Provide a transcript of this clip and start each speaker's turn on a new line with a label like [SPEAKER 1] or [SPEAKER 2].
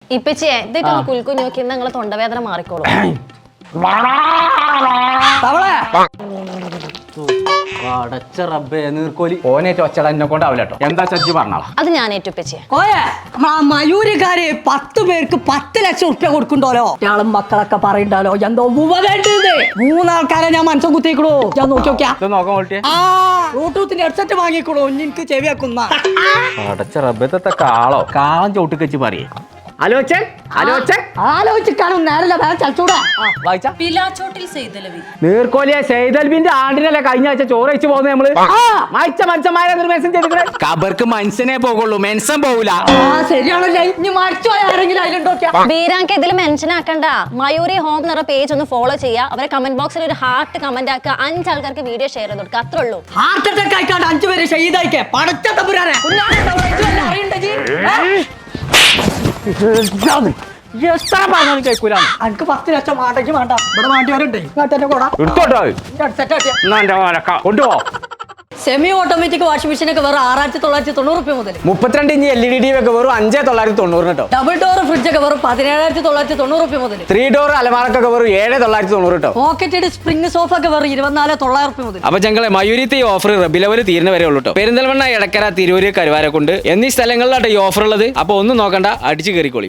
[SPEAKER 1] ഇപ്പച്ചിയെ ഇതൊക്കെ കുൽക്കുഞ്ഞു നോക്കി നിങ്ങളെ തൊണ്ടവേദന മാറിക്കോളൂ.
[SPEAKER 2] അടച്ച റബ്ബേ നീർക്കോലി ഓനേറ്റ് ഒച്ചട എന്നെ കൊണ്ടാവില്ല കേട്ടോ. എന്താ ചജ്ജി പറഞ്ഞാളാ?
[SPEAKER 1] അത് ഞാൻ ഏറ്റുപ്പച്ചിയെ.
[SPEAKER 3] മയൂരിക്കാര് 10 പേർക്ക് 10 ലക്ഷം ഉറുപ്പ്യ കൊടുക്കണ്ടോലോ. ഞാളും മക്കളൊക്കെ പറയണ്ടല്ലോ എന്തോ 3 ആൾക്കാരെ ഞാൻ മനസ്സം കുത്തിക്കണു. ഞാൻ നോക്കി നോക്കിയാ
[SPEAKER 2] നോക്കാൻ വേണ്ടിയ
[SPEAKER 3] ബ്ലൂടൂത്തിന്റെ ഹെഡ്സെറ്റ് വാങ്ങിക്കണു. എനിക്ക് ചെവി വെക്കുന്ന
[SPEAKER 2] അടച്ച റബ്ബത്തെ കാളം ചോട്ട് വെച്ച് പറയേ.
[SPEAKER 3] ആലോചിക്കാനും നേരല്ല ചലച്ചൂടാ.
[SPEAKER 2] നീർക്കോലിയെ സെയ്തൽബിന്റെ ആണ്ടിനല്ലേ കഴിഞ്ഞ ആഴ്ച ചോറ് വെച്ച് പോകുന്നത് നമ്മള്. മരിച്ച മനുഷ്യന്മാരെ മെൻഷൻ ചെയ്തിട്ട് കബർക്ക് മനുഷ്യനെ പോകുള്ളൂ, മെൻഷൻ പോകൂല.
[SPEAKER 3] ശരിയാണല്ലേ. ഇനി മരിച്ചു പോയ ആരെങ്കിലും അതിലുണ്ടോ?
[SPEAKER 1] ബീരാങ്ക് ഇതിൽ മെൻഷൻ ആക്കണ്ട. മയൂരി ഹോം എന്ന പേജ് ഒന്ന് ഫോളോ ചെയ്യുക. അവരെ കമന്റ് ബോക്സിൽ ഒരു ഹാർട്ട് കമന്റ് ആക്കുക. 5 ആൾക്കാർക്ക് വീഡിയോ ഷെയർ ചെയ്ത് കൊടുക്കുക. അത്രേ ഉള്ളൂ.
[SPEAKER 3] ഹാർട്ട് അറ്റാക്ക് ആയിക്കാണ്ട് 5 പേര് ഷഹീദായിക്കേ. പടച്ച തമ്പുരാനെ
[SPEAKER 2] കേൾക്കൂല.
[SPEAKER 3] എനിക്ക് 10 ലക്ഷം വാടക വേണ്ട. ഇവിടെ വേണ്ടിയവരുണ്ട്.
[SPEAKER 2] കൊണ്ടുപോ.
[SPEAKER 3] സെമി ഓട്ടോമാറ്റിക് വാഷിംഗ് മെഷീൻ ഒക്കെ വെറും 6990 മുതൽ
[SPEAKER 2] 32 ഇഞ്ച് LED ഒക്കെ വെറും 5990 കേട്ടോ.
[SPEAKER 3] ഡബിൾ ഡോർ ഫ്രിഡ്ജ് ഒക്കെ വെറും 17990 മുതൽ
[SPEAKER 2] 3 ഡോർ അലമാരക്കൊക്കെ വെറും 7990 കേട്ടോ.
[SPEAKER 3] പോക്കറ്റഡ് സ്പ്രിംഗ് സോഫ ഒക്കെ വെറും 24900 മുതൽ.
[SPEAKER 2] അപ്പൊ ഞങ്ങളെ മയൂരിത്തെ ഈ ഓഫർ റബിലവൽ തീരുന്ന വരെ ഉള്ളൂ കേട്ടോ. പെരിന്തൽമണ്ണ, എടക്കര, തിരൂര്, കരുവാരക്കുണ്ട് എന്നീ സ്ഥലങ്ങളിലാട്ടോ ഈ ഓഫർ ഉള്ളത്. അപ്പൊ ഒന്നും നോക്കണ്ട, അടിച്ചു കയറിക്കോളി.